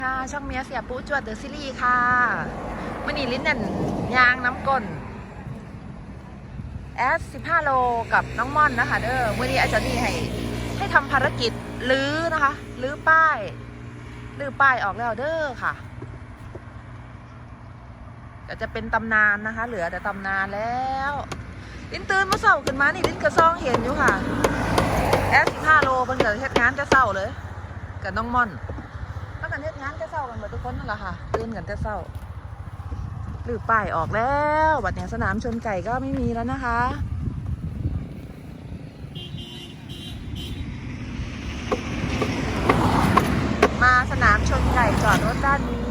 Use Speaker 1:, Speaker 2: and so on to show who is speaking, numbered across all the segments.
Speaker 1: ค่ะช่องเมียเสียปูจวดเดอะซีรีส์ค่ะมื่อนี้ลิ้นนั่นยางน้ำก้น15 โลกับน้องม่อนนะคะเด้อมื่อนี้อาจารย์นี่ให้ทำภารกิจลื้อนะคะลื้อป้ายออกแล้วเด้อค่ะจะเป็นตำนานนะคะเหลือแต่ตำนานแล้วลิ้นตื่นเมื่อเช้าขึ้นมานี่ลิ้นกระซองเห็นอยู่ค่ะ15 โลเป็นเกิดเหตุงานจะเศร้าเลยกับน้องม่อนถ้ากันเทศงานจะเศร้ากันหมดทุกคนนั่นแหละค่ะตื่นกันจะเศร้าหรือป้ายออกแล้วบัดเนี่ยสนามชนไก่ก็ไม่มีแล้วนะคะมาสนามชนไก่จอดรถด้านนี้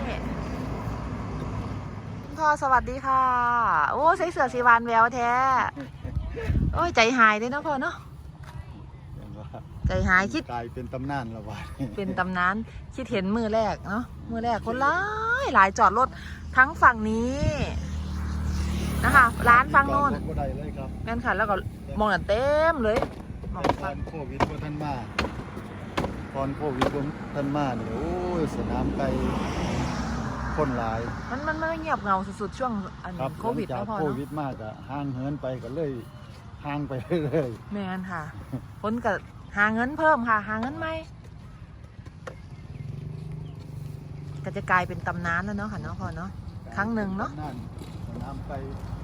Speaker 1: พ่อสวัสดีค่ะโอ้ใส่เสื้อสีวานแววแท้โอ้ยใจหายเลยนะพ่อเนาะใจหายคิด
Speaker 2: กลายเป็นตำนานแล้ววะ
Speaker 1: เป็นตำนานคิดเห็นมือแรกเนาะมือแรกคนหลายจอดรถทั้งฝั่งนี้นะคะร้านฝั่งโน้นแม่นค่ะแล้วก็มองเต็มเลยมองฝั่ง
Speaker 2: โควิดพวกท่านมาตอนโควิดพวกท่านมาเนี่ยโอ้ยสนามไกลคนหลาย
Speaker 1: มันไม่เงียบเงาสุดๆช่วงโควิดแล้วพอเนาะ
Speaker 2: โควิดมากอะห่างเหินไปก็เลยห่างไปเรื่อย
Speaker 1: แม่นค่ะคนก็หาเงินเพิ่มค่ะหาเงินไหมก็จะกลายเป็นตำนานแล้วเนาะค่ะเนาะพอเนาะครั้งหนึ่งเนาะ
Speaker 2: สนามไกล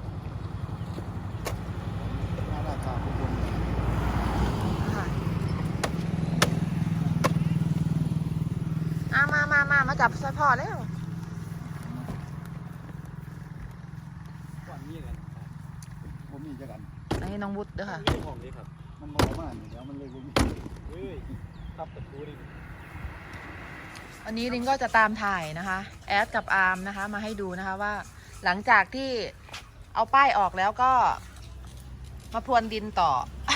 Speaker 2: น่าราคาทุกคน
Speaker 1: มาจับสะพอแล้ว
Speaker 2: ก่อนนี้กันผมมีจะกัน
Speaker 1: ไอ้น้องวุฒิเด้อค่ะ
Speaker 2: ของนี้ครับมันบอกว่าเดี๋ยวมันเลยผมครับแต่ดูดิ
Speaker 1: วันนี้ลิงก็จะตามถ่ายนะคะแอดกับอาร์มนะคะมาให้ดูนะคะว่าหลังจากที่เอาป้ายออกแล้วก็มาพรวนดินต่อ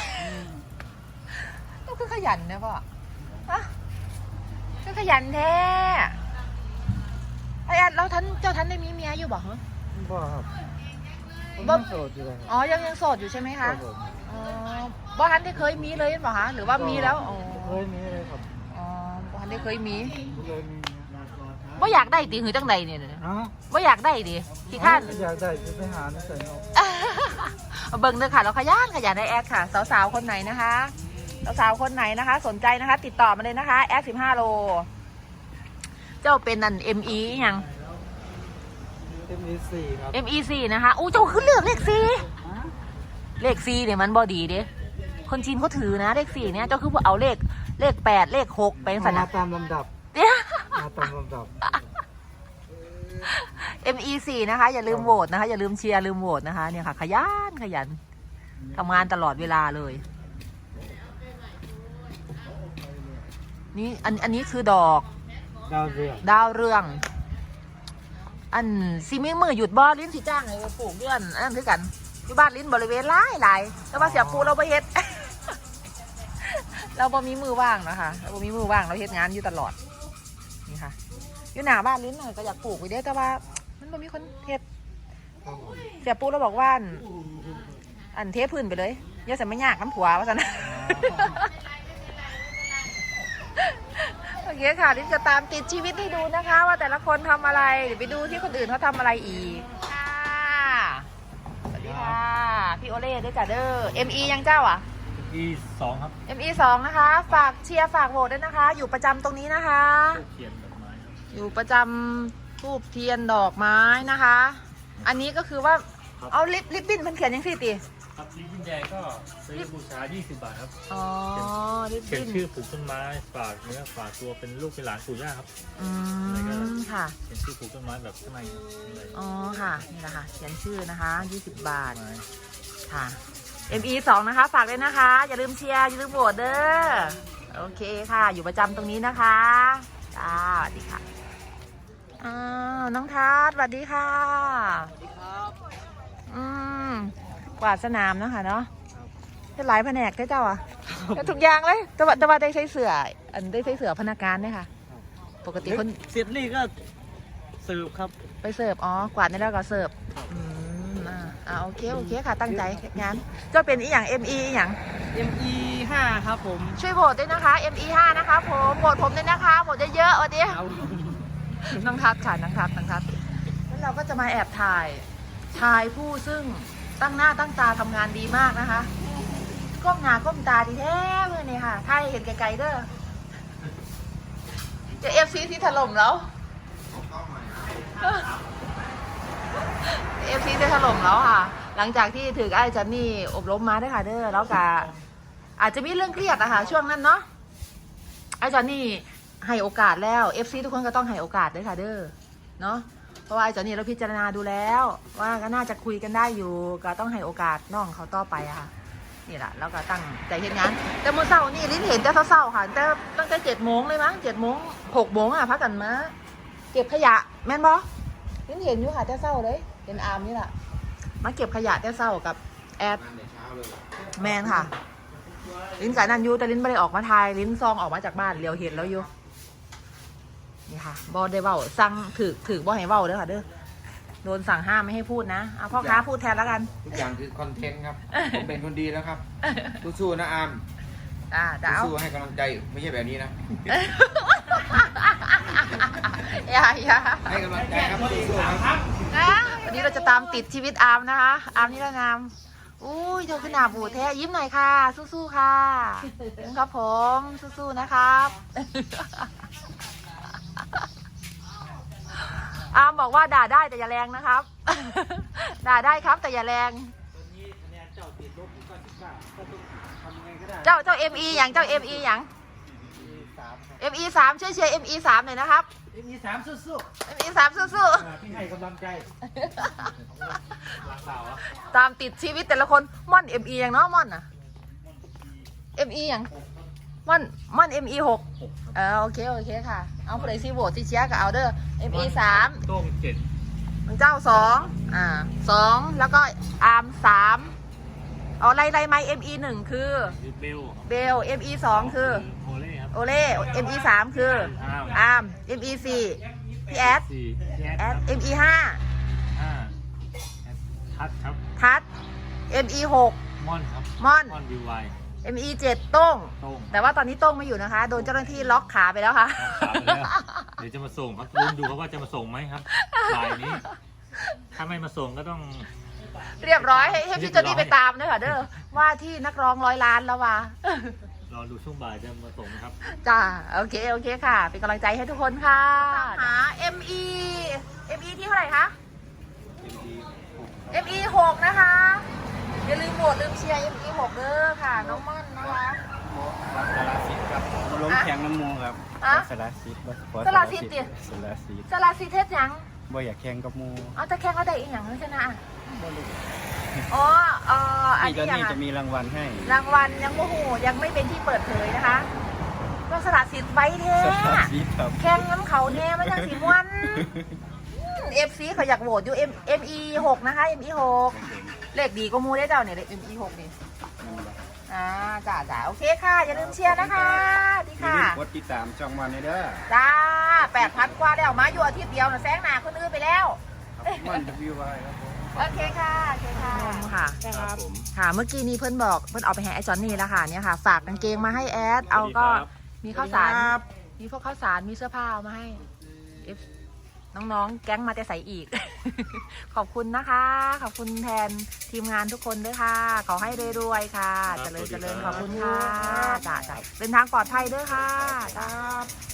Speaker 1: ต้องคือขยันนะพ่อฮะคือขยันแท้ไอ้แอดแล้วเจ้าท่านได้มีเมียอยู่บ่เหรอ
Speaker 2: บ่ครับ
Speaker 1: บ่
Speaker 2: โสดอยู่เลย
Speaker 1: อ๋อยังโสดอยู่ใช่ไหมคะอ๋อบ่ท่านได้เคยมีเลยเปล่าคะหรือว่ามีแล้วอ๋อ
Speaker 2: เคยมีเลยครับ
Speaker 1: อ๋อบ่ท่านได้เคยมีบ่อยากได้ตีหือจังใดเนี่ยบ่อยากได้ดิที่ข้าน
Speaker 2: อยากได้จะไปหาใส่เอา
Speaker 1: เบิ่งเลยค่ะเราขยันในแอดค่ะสาวๆคนไหนนะคะสาวๆคนไหนนะคะสนใจนะคะติดต่อมาเลยนะคะแอด15 โลเจ้าเป็นนั่น ME ยัง
Speaker 2: ME4 ครับ
Speaker 1: ME4 นะคะอู้เจ้าขึ้นเลือกเลข4เนี่ยมันบอดีเด้คนจีนเขาถือนะเลข4เนี่ยเจ้าคือเอาเลข8เลข6ไปสั่นนะ
Speaker 2: ตามลำดับเนี่ยตามลำดับ
Speaker 1: ME4 นะคะอย่าลืมโหวตนะคะอย่าลืมเชียร์ลืมโหวตนะคะเนี่ยค่ะขยันทำงานตลอดเวลาเลยนี่อันนี้คือดอกดาวเรืองอันซีมีมือหยุดบ่ลิ้นสีจ้างเลยปลูกเดือนอันนั้นคือกันที่บ้านลิ้นบริเวณหลายแต่ว่าเสียปูเราไปเฮ็ด เราบ่มีมือว่างนะคะเราบ่มีมือว่างเราเฮ็ดงานอยู่ตลอดนี่ค่ะอยู่หน้าบ้านลิ้นก็อยากปลูกไปเด้แต่ว่ามันบ่มีคนเฮ็ดเสียปูเราบอกว่าอันเทพื้นไปเลยอย่าจะไม่ยากน้ำผัวว่าซะนะโอเคค่ะลิ้นจะตามติดชีวิตให้ดูนะคะว่าแต่ละคนทำอะไรเดี๋ยวไปดูที่คนอื่นเขาทำอะไรอีกค่ะสวัสดีค่ะพี่โอเล่ด้วยจ้ะเด้อ ME ยังเจ้าอ่ะ
Speaker 2: ME2 ครับ
Speaker 1: ME2 นะคะฝากเชียร์ฝากโหวตด้วยนะคะอยู่ประจำตรงนี้นะคะอยู่ประจำทูบเทียนดอกไม้นะคะอันนี้ก็คือว่าเอาลิปบิ้นมันเขียนยังสิตี
Speaker 3: ครับลิปบิ้นแดงก็ซื้อบูชา20 บาทครับ
Speaker 1: อ๋อลิปบิ้น
Speaker 3: เขียนชื่อปลูกต้นไม้ฝากเนื้อฝากตัวเป็นลูกเป็นหลานปู่ย่าครับ
Speaker 1: ค่ะ
Speaker 3: เขียนชื่อปลูกต้นไม้แบบข้างใน
Speaker 1: อ๋อค่ะนี่แหละค่ะเขียนชื่อนะคะ20 บาทค่ะ ME2 นะคะฝากเลยนะคะอย่าลืมเชียร์อย่าลืมโหวตเด้อโอเคค่ะอยู่ประจำตรงนี้นะคะจ้าสวัสดีค่ะน้องทัศน์สวัสดีค่ะ
Speaker 2: สวัสดีครับ
Speaker 1: กวาดสนามนะคะเนาะจะหลายแผนกได้เจ้าอ่ะทุกอย่างเลยแต่ว่าได้ใช้เสือได้ใช้เสือพนักงานเนี่ยค่ะปกติคน
Speaker 2: เสร็จนี่ก็เสิร์ฟครับ
Speaker 1: ไปเสิร์ฟอ๋อกวาดได้แล้วก็เสิร์ฟโอเคค่ะตั้งใจงานก็เป็นอีหยัง ME อีหยัง
Speaker 2: ME5
Speaker 4: ME5 ครับผม
Speaker 1: ช่วยโหวตด้วยนะคะ ME5 นะคะผมโหวตผมด้วยนะคะโหวตเยอะๆวันนี้
Speaker 4: เอา
Speaker 1: น้องทัศน์ค่ะน้องทัศน์แล้วเราก็จะมาแอบถ่ายชายผู้ซึ่งตั้งหน้าตั้งตาทำงานดีมากนะคะก้มหน้าก้มตาดีแท้เลยนี่ค่ะถ่ายเห็นไกลๆเด้อจะ FC ที่ถล่มแล้ว FC ที่ถล่มแล้วค่ะ หลังจากที่ถือไอ้จันนี่อบรมมาด้วยค่ะเด้อแล้วก็อาจจะมีเรื่องเครียดอะค่ะช่วงนั้นเนาะไอ้จันนี่ให้โอกาสแล้ว FC ทุกคนก็ต้องให้โอกาสด้วยค่ะเด้อเนาะเพราะว่าไอ้จันนี่เราพิจารณาดูแล้ว ว่าก็น่าจะคุยกันได้อยู่ก็ต้องให้โอกาสน้องเขาต่อไปอะค่ะนี่แหละแล้วก็ตั้งใจเห็นงานแต่เมื่อเช้านี่ลิ้นเห็นแต่เช้าๆค่ะแต่ตั้งแต่7 โมงเลยมั้ง7 โมง6 โมงอะพักกันมาเก็บขยะแม่นบอลิ้นเห็นอยู่ค่ะแต่เช้าเลยเห็นอาร์มนี่แหละมาเก็บขยะแต่เช้ากับแอดแมนค่ะลิ้นกับนันยูแต่ลิ้นไม่ได้ออกมาทายลิ้นซองออกมาจากบ้านเลียวเห็นแล้วอยู่นี่ค่ะบอได้เว้าสั่งถือบอให้เว้าเด้อค่ะเด้อโดนสั่งห้ามไม่ให้พูดนะเอาพ่อค้าพูดแทนแล้วกัน
Speaker 5: ทุกอย่างคือคอนเทนต์ครับ ผมเป็นคนดีแล้วครับสู้ๆนะอาร์ม
Speaker 1: จะเอา
Speaker 5: สู้ๆให้กำลังใจไม่ใช่แบบนี้นะ
Speaker 1: อย่า
Speaker 5: ให้กำลังใจครับสู้ๆครับ
Speaker 1: วันนี้เราจะตามติดชีวิตอาร์มนะคะ อาร์มนิรนามอุ้ยเธอขึ้นหนาบูดแท้ยิ้มหน่อยค่ะ สู้ๆค่ะครับผมสู้ๆนะครับ อาร์มบอกว่าด่าได้แต่อย่าแรงนะครับ ด่าได้ครับแต่อย่าแรง
Speaker 4: ตอนนี้คะแนนเจ้าติดลบอยู่99ก็ต้องทำไงก็ได้
Speaker 1: เจ้า ME อย่างเจ้า ME อย่าง ME3 ช่วยเชียร์ ME3 หน่อยนะครับ
Speaker 4: ME3 สู้
Speaker 1: ME3 สู้
Speaker 4: ๆพี่ให้กำลังใจ
Speaker 1: ๆตามติดชีวิตแต่ละคนม่อน ME อย่างเนาะม่อนอะ ME อย่างม่อน ME6 โอเคค่ะเอาผู้ใดซีโหวตที่เชียร์ก็เอาเด้อ ME3
Speaker 3: โต้ง7
Speaker 1: เจ้า2แล้วก็อาร์ม3เอาไล่ไม้ ME1 คือ
Speaker 3: เบล
Speaker 1: เบล ME2 คือ
Speaker 3: โอเล่ครับ
Speaker 1: โอเล่ ME3 คืออาร์ม ME4 พี่แอด
Speaker 3: 4
Speaker 1: แอด ME5
Speaker 3: 5ทัดครับ
Speaker 1: ทัด ME6
Speaker 3: ม่อนครับ
Speaker 1: ม่อน
Speaker 3: ม่อนวิวไว
Speaker 1: ME7 โต้ง
Speaker 3: โต้ง
Speaker 1: แต่ว่าตอนนี้โต้งไม่อยู่นะคะ โดนเจ้าหน้าที่ล็อกขาไปแล้วค่ะ
Speaker 3: ขาไปแล้วเดี๋ยวจะมาส่งครับลุ้นดูครับว่าจะมาส่งไหมครับบ่ายนี้ ถ้าไม่มาส่งก็ต้อง
Speaker 1: เรียบร้อยให้พี่โจนี่ไปตามด้วยค่ะเด้อว่าที่นักร้อง100 ล้านแล้วว่ะ
Speaker 3: รอดูช่วงบ่ายจะมาส่งครับ
Speaker 1: จ้าโอเคค่ะ เป็นกำลังใจให้ทุกคนค่ะหา ME ที่เท่าไหร่คะ ME 6นะคะ อย่าลืมโหวตลืมเชียร์ ME 6เด้อค่ะ น้องม่อนนะคะ
Speaker 4: สารสิทธิ์ครับล้มแข่งน้ำมูครับ
Speaker 1: อะ
Speaker 4: สารสิทธิ์
Speaker 1: สารสิทธิ์ดิ
Speaker 4: สารสิทธิ์
Speaker 1: สลาซีเทสยัง
Speaker 4: บ่อยากแข่งกับมู
Speaker 1: เอาแต่แข่งเขาได้อีกอย่างนึงชนะ
Speaker 4: บ่รู้
Speaker 1: อ๋ออัน
Speaker 4: พี่
Speaker 1: นี้
Speaker 4: ก็
Speaker 1: ยัง
Speaker 4: นี่
Speaker 1: อะ
Speaker 4: จะมีรางวัลให้
Speaker 1: รางวัลยังโมโหยังไม่เป็นที่เปิดเผยนะคะ ก็สละสิทธิ์ไว้แท้
Speaker 4: สารสิทธิ์ครับ
Speaker 1: แข่งน้ำเขาแท้ไม่จังสีมวนFC เขาอยากโหวตอยู่ ME 6นะคะ ME 6เลขดีก็มูได้เจ้าเนี่ยเลข ME 6นี่จ้าโอเคค่ะ อย่าลืมเชียร์นะคะดี
Speaker 4: อย่า
Speaker 1: ค่ะ
Speaker 4: ลืมกดติดตามช่องมันเด้อ
Speaker 1: จ้า8,000 กว่าแล้วมาอยู่อาทิตย์เดียวนะแซงหน้าคนอื่นไปแล้ว
Speaker 4: มันวิวไว้ครับผม
Speaker 1: โอเคค่ะค่ะ
Speaker 3: ครับผม
Speaker 1: ค่ะเมื่อกี้นี้เพื่อนบอกเพื่อนเอาไปให้ไอ้จอนนี่แล้วค่ะเนี่ยค่ะฝากกางเกงมาให้แอดเอาก็มีข้าวสารมีพวกข้าวสารมีเสื้อผ้าเอามาให้ น้องๆแก๊งมาแต่ใส่อีก ขอบคุณนะคะ ขอบคุณแทนทีมงานทุกคนด้วยค่ะ ขอให้รวยๆค่ะ
Speaker 3: ครับ
Speaker 1: เจริญ
Speaker 3: สวัสดี
Speaker 1: เจริญ
Speaker 3: ค
Speaker 1: ข
Speaker 3: รับ
Speaker 1: อบคุณค่ะจ้าเดินทางปลอดภัยด้วยค่ะจ้า